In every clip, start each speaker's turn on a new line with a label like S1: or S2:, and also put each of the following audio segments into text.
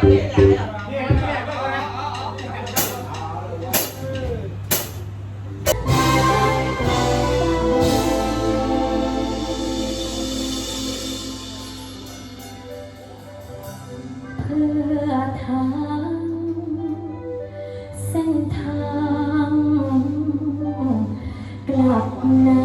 S1: ทางเส้นทางกลับนา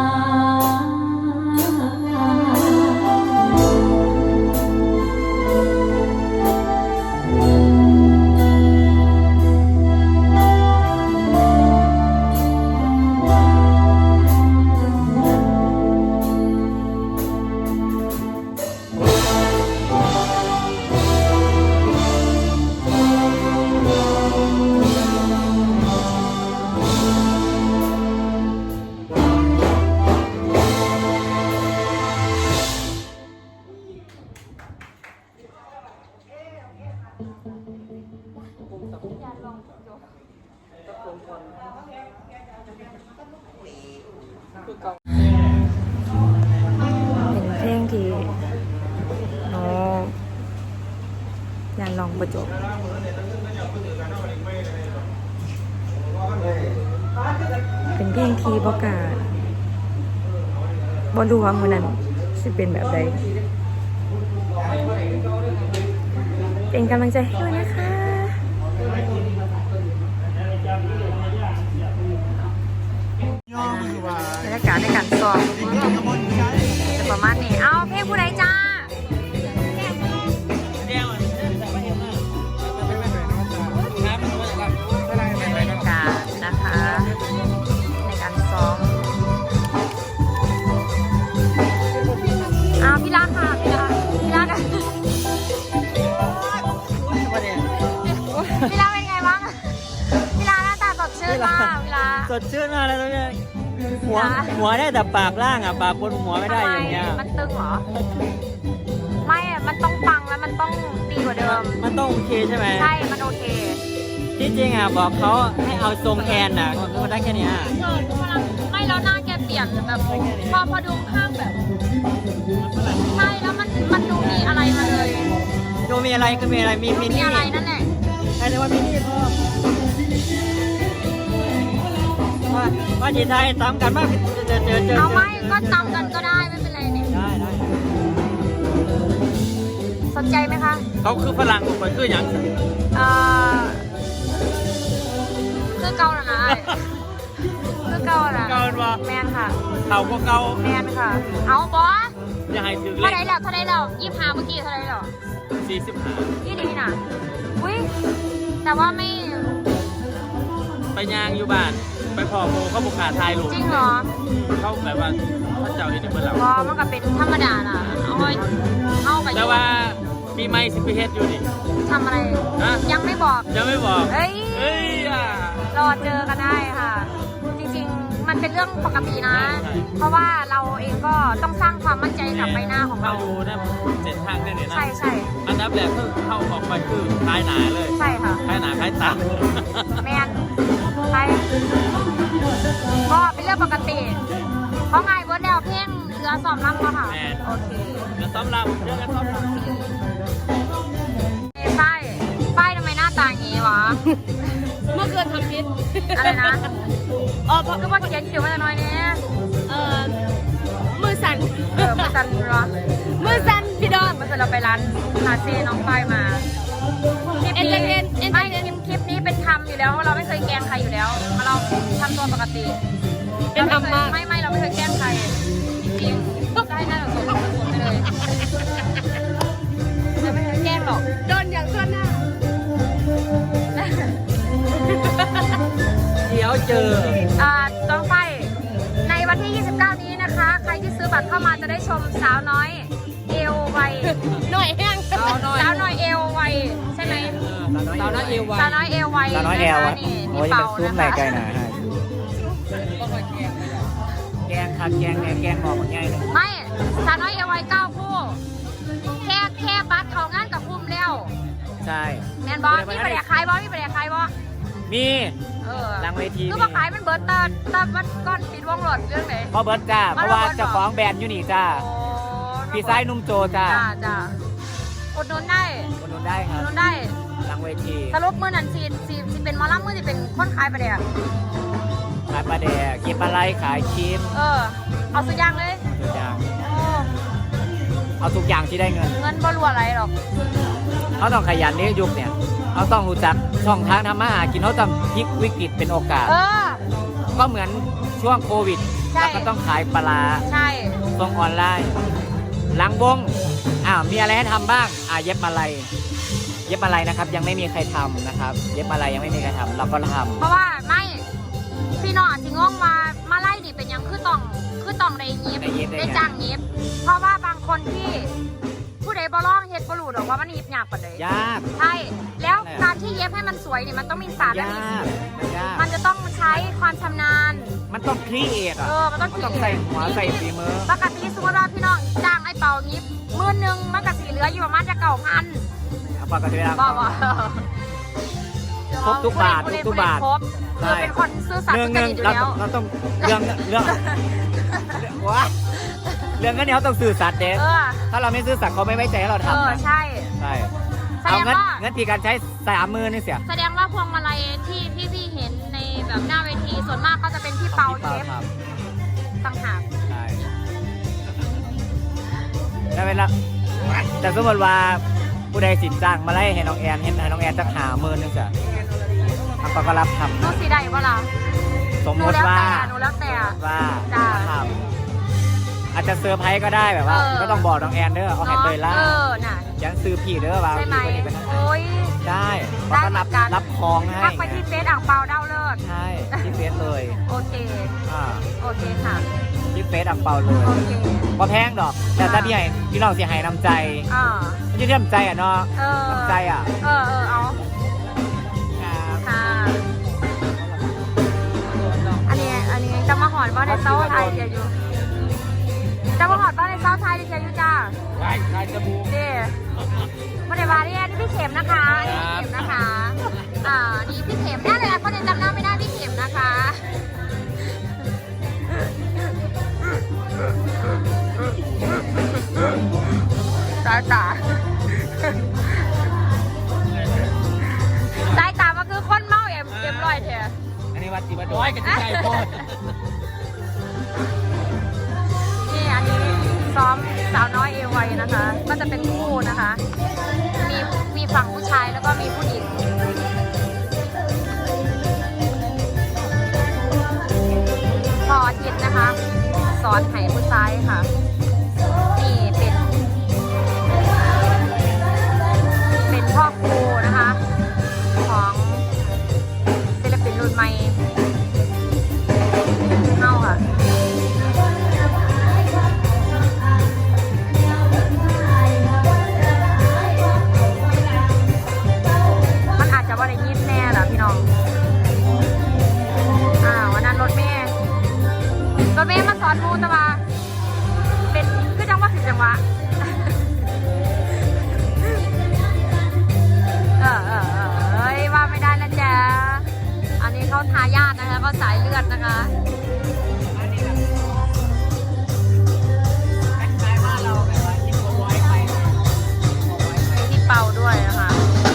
S1: เป็นเพลงที่โน้ยานลองประจบเป็นเพลงที่บอกาบอรู้ว่ามือนั้นจะเป็นแบบใดเป็นกำลังใจให้ด้วยนะคะบรรยากาศในการซ้อมจะประมาณนี้เอาเพลงผู้ใดจ้าบรรยากาศนะคะในการซ้อมเอาพี่รักค่ะพี่รักพี่รักเป็นไงบ้างพี่รักหน้าตาสดชื่นมากพี่รัก
S2: สดชื่นมากเลยตรงนี้หัวได้แต่ปากล่างอ่ะปากบนหัวไม่ได้อย่างเงี้ย
S1: มันตึงเหรอไม่มันต้องปังแล้วมันต้องดีกว่าเดิม
S2: มันต้องโอเคใช่ไหม
S1: ใช่มันโอเค
S2: ที่จริงอ่ะบอกเขาให้เอาทรงแอนอ่ะมันได้แค่นี้
S1: ไม่แล้วหน้าแกเปลี่ยนแบบพอดูข้างแบบใช่แล้วมันดูมีอะไรมาเลย
S2: ดูมีอะไรก็มีอะไรมี
S1: อะไรนั่นแหละ
S2: ใช่แต่ว่ามีนี่ว่าจีไทยตามกันว่าเจอ
S1: เอาไม่ก็ตามกันก็ได้ไม่เป็นไรเนี่ย
S2: ได้
S1: สนใจไหมคะ
S2: เขาคือฝรั่งคนคืออย่าง
S1: คือเกาหลีนะคือเกาหลีแมนค่ะ
S2: เขาก็เกา
S1: แมนค่ะเอาบอส
S2: อย่าให้ถึงเลย
S1: เท่าไรแล้ว25เมื่อกี้เท่าไรแล้ว
S2: 45
S1: ที่ดีน่ะอุ้ยแต่ว่าไม่
S2: ไปยางอยู่บ้านไปพอโมเขาบุกขาทายหลู
S1: จริงเหรอ
S2: เขาแบบว่าพระเจ้าที่นี่เมื่อไหร่
S1: ว่ามันก็เป็นธรรมดาน่ะเอาไป
S2: แต่ว่ามีไม้สิบเฮ็ดอยู่ดิ
S1: ทำอะไรยังไม่บอกเฮ้ยรอเจอกันได้ค่ะจริงๆมันเป็นเรื่องปกตินะเพราะว่าเราเองก็ต้องสร้างความมั่นใจกับใบหน้าของเรา
S2: ดูนะเส้นทางเนี่ยนะ
S1: ใช่
S2: อันดับแรกคือเข้าออกไปคือคล้ายหนาเลย
S1: ใช่ค่ะ
S2: คล้ายหนาคล้ายตา
S1: แมนใช่ก็เป็นเรื่องปกติเพราะไงเวิร์ดแล้วเพ่งเหลือซ้อมรำก็ค่ะโอเค
S2: เหลือซ้อมรำเรื่องซ้อมรำ
S1: ป้ายทำไมหน้าตาอย่างนี้วะ
S3: เมื่อคืนทำพิษ
S1: อะไรนะเพราะว่าเขียนคิวมาหน่อยนี้
S3: มือสั่น
S1: มือสั่นเหรอ
S3: มือสั่นพี่ดอน
S1: เมื่อเราไปร้านคาเฟ่น้องป้ายมาคลิปนี้เป็นทำอยู่แล้วเราไม่เคยแกล้งใครอยู่แล้วเราทำตัวปกติ
S3: เป็นทำมาก
S1: ไม่เราไม่เคยแกล้งใครจริงๆได้หน้าเราสดไปเลยเราไม่เคยแกล้งหรอก
S3: โดนอย่างส่วนหน้า
S2: เดี๋ยวเจอ
S1: ต้องไปในวันที่29นี้นะคะใครที่ซื้อบัตรเข้ามาจะได้ชมสาวน้อยเอวไว
S3: หน่อยแห้ง
S1: สาวน้อยเอวไวใช่ไหม
S2: สาวน้อยเอวไว
S1: สาวน้อยเอวไว
S2: นี่โอ้ยมันซุ้มไหนไกลหนาแกงคัดแกงเนี่ยแกงหอมง่ายเลย
S1: ไม่สาวน้อยเอวไว9คู่แค่บัตรเขางานกับคุ้มแล้ว
S2: ใช่
S1: แมนบอสมีประเดี๋ยวขายบอส
S2: มีหลังเวที
S1: คือมาขายมันเบิร์ตตามันก้อนปิดวงหลอดเรื่องไหน
S2: เพราะเบิร์ตจ้าเพราะว่าเจ้าของแบรนด์อยู่นี่จ้าพี่ไซนุ่มโจจ้า
S1: อุดหนุนได้
S2: อุดหนุนได้ค
S1: อุ
S2: รับ
S1: ดหนุนได้
S2: หลังเวที
S1: สรุปมือนั้นสิเป็นหมอลำมือสิเป็นคนขายประเดี๋ยว
S2: ขายปลาแดกกินปลาไหลขายครีม
S1: เอาสุดอย่างเลย
S2: ทุกอย่าง
S1: โอ้
S2: เอาทุกอย่างที่ได้เงิน
S1: เงินบ่รัวอะไรหรอก
S2: เขาต้องขยันในยุคเนี่ยเขาต้องรู้จักช่องทางทำมาหากินเขาต้องพลิกวิกฤตเป็นโอกาส ก็เหมือนช่วงโควิด
S1: ใช่
S2: แล้วก็ต้องขายปลาร้า
S1: ใช่
S2: ส่งออนไลน์หลังวงมีอะไรให้ทำบ้างเย็บอะไรเย็บอะไรนะครับ ยังไม่มีใครทำนะครับ เย็บอะไรยังไม่มีใครทำเราก็ทำ
S1: เพราะว่าไม่พี่น้องอาจสิงงมาไล่ดิเป็นหยังคือต้องได้ยิบได้จ้างยิบเพราะว่าบางคนที่ผู้ใดบ่ร้องเฮ็ดบ่รู้หรอกว่ามันยิบยากปานใด
S2: ยาก
S1: ใช่แล้วการที่เย็บให้มันสวยนี่มันต้องมีศาสตร์และ
S2: ยากมันยาก
S1: มันจะต้องใช้ความชำนาญ
S2: มันต้องครีเอท
S1: มันต้อง
S2: ต้องใส่หัวใส่ฝีมือ
S1: ปกติสมมติว่าพี่น้องจ้างไอ้เป่ายิบ10,000มันก็สิเหลืออยู่ประมาณจะ9,000
S2: ปกติแล้ว
S1: บ่
S2: ครบทุกบาททุกบาท
S1: ครบคือเป็นคนซื่อสัตย์
S2: เรื่อง
S1: สุจริตอยู่
S2: เรา
S1: แล้ว
S2: เราต้องเรื่องว้าเรื่องนี้เขาต้องสื่อสัตย์เด็ถ้าเราไม่ซื่อสัตย์เขาไม่ไว้ใจให้เราทำนะ
S1: ใช่
S2: ใช่
S1: แสด
S2: เอา
S1: งว่า
S2: เงินที่การใช้30,000นี่เสีย
S1: แสดงว่าพวงมาลัยที่พี่เห็นในแบบหน้าเวทีส่วนมากก็จะเป็นพี่เปาเย็บ
S2: ครับ
S1: ต่างหาก
S2: ใช่แล้วเวลาแต่สมมติว่าผู้ใดสินจ้างมาไล่ให้น้องแอนจะ50,000นึงเสียเขาก็รับทำ
S1: นูสีได้ปะล่ะ
S2: สมมติว่า
S1: หนูแล้วแต่
S2: จ้าทำอาจจะเซอร์ไพรส์ก็ได้แบบว่าก็ต้องบอกน้องแอนเด้อเอาให้เตยล่า
S1: น่ะ
S2: ยันซื้อผีเด้อว่า
S1: ใช่ไหม
S2: พี่คนนี้เป็น
S1: โอ้ย
S2: ได้เขาก็รับคองให้
S1: ทักไปที่เฟซอ่างเปาเด้าเลิศ
S2: ใช่ที่เฟซเลย
S1: โอเค โอเคค่ะ
S2: ที่เฟซอังเปาเลย
S1: โอเค
S2: พอแพงดอก แต่ถ้าพี่น้องเสียหายน้ำใจไม่ใช่น้ำใจเนาะน้ำใจ
S1: เอาค่ะอันนี้จะมาหอดบ้านในเซาไทยเดียวอยู่จะมาหอดบ้านในเซาไทยเดียวอยู่จ้า
S2: ใช่จมูก
S1: นี่มาในวาเรียนพี่เข็มนะคะนี่พี่เข็มนะคะนี่พี่เข็มได้เลยคนยังจำหน้าไม่ได้พี่เข็มนะคะสายตามันคือคนเมาเอ็มร้อยเถอะ
S2: อันนี้วัดติบัดอยกันที่ใจโคตร
S1: นี่อันนี้ซ้อมสาวน้อยเอวไวนะคะ ก็จะเป็นคู่นะคะ มีฝั่งผู้ชายแล้วก็มีผู้หญิงพออาทิตย์นะคะ สอนไห้ผู้ชายค่ะ นี่เป็นพ่อครูนะคะ ของศิลปินรุ่นใหม่เฮาค่ะมันอาจจะว่าได้ยินแน่แหละพี่น้องวันนั้นรถเมย์มาสอนมูตะวาเป็นคือจังหวะผิดจังหวะว่าไม่ได้นะจ๊ะอันนี้เขาทายาทนะคะเขาสายเลือดนะคะมีพี่เปาด้วยนะคะ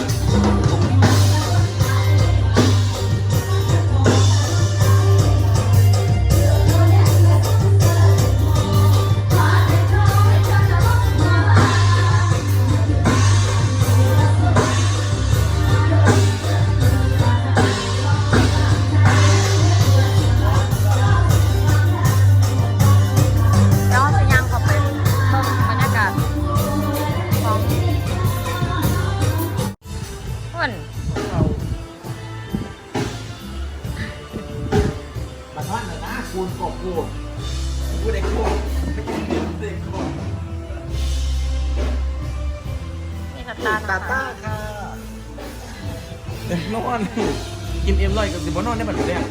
S4: ตาต้าค่ะนอนกินเอ็มร้อยกับสิบนอนได้บัดนี้เลย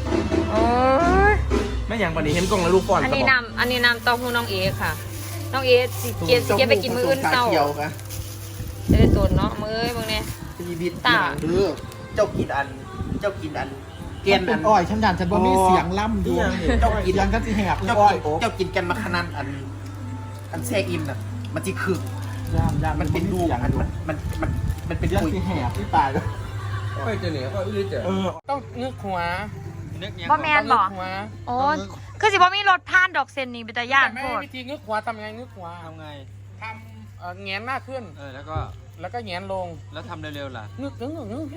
S4: ไม่อย่างบัดนี้เห็นกล้องแล้วลูกป้อน
S1: อันนี้นำเต้าหู้น้องเอค่ะ น้องเอสิเกียไปกินมื้ออื่นเศร้าจะได้ตัวเนาะมื้อมึงเนี่ย
S4: ชีวิตตาเจ้ากินอันเกณฑ์อัน
S5: อ้อยฉันฉันว่ามีเสียงล่ำอยู่
S4: เจ้ากิน
S5: ยังก็จะแหบ
S4: เจ้ากินกันมาขนาดอันแทรกอินน่ะมันจีคือมันเป็นลูกมันเป็น
S5: เรื่อง
S4: ปุ๋ย
S5: ที่แหบที่ตาย
S6: ต้องนึกหัว
S1: บ่แมนบอก
S6: หัว
S1: โอ้คือสิบ่มีรถผ่านดอกเซนนี่เป็นตาย่าน
S6: แต่
S1: โพ
S6: ไม่
S1: ด
S6: วิธีนึกหัวทำยังไงนึกหัว
S7: ทำไง
S6: ทำแงนหน้าขึ้น แล้วก็แงนลง
S7: แล้วทำเร็วๆล่ะ
S6: นึกถึงนึก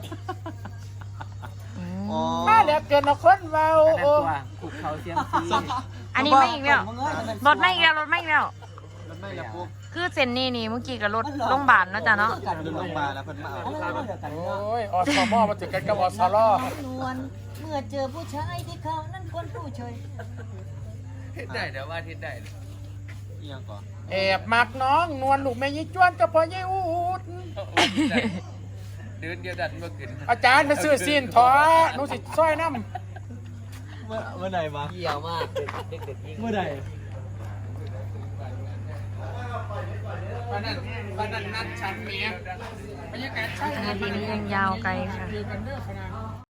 S7: อ๋อ
S6: มาแล้วเกินเอาคนเบา
S2: อันนั้น
S6: โอ้
S2: ตัวขุกเขาเสียมซี
S1: อันนี้ไม่อีกแล้วรถไม่อีกแล้วรถไม่อีกแล้ว
S7: มันไม่ละปุ๊บ
S1: คือเซนนี่เมื่อกี้กับรถโรงพยาบาลเนาะจ้ะเนาะ
S7: ดึงลงมาแล้วเพิ่นมาเอา
S6: โอ้ยอสมอมาถึงกันกับอสลอ
S8: นวลเมื่อเจอผู้ชายที่เขานั้นคนผู้เฉย
S7: ได้เดี๋ยวว่าทิศได้อีหยังก่อน
S6: แอบมักน้องนวลลูกแม่ยี่จวนกับพ่อยี่อูด
S7: เดินเดียวดันมาขึ้น
S6: อาจารย์ไปซื้อซีนถอหนูสิซอยน้ำ
S7: เมื่อไหร่มา
S2: เกี่ยวมากเด็กๆยิ่ง
S7: เมื่อไหร่
S6: วันนั้นนัดฉันเมียบรรยากาศใช่
S1: นาทีนี้ยังยาวไกลค่ะ
S6: กันเด้อขนาด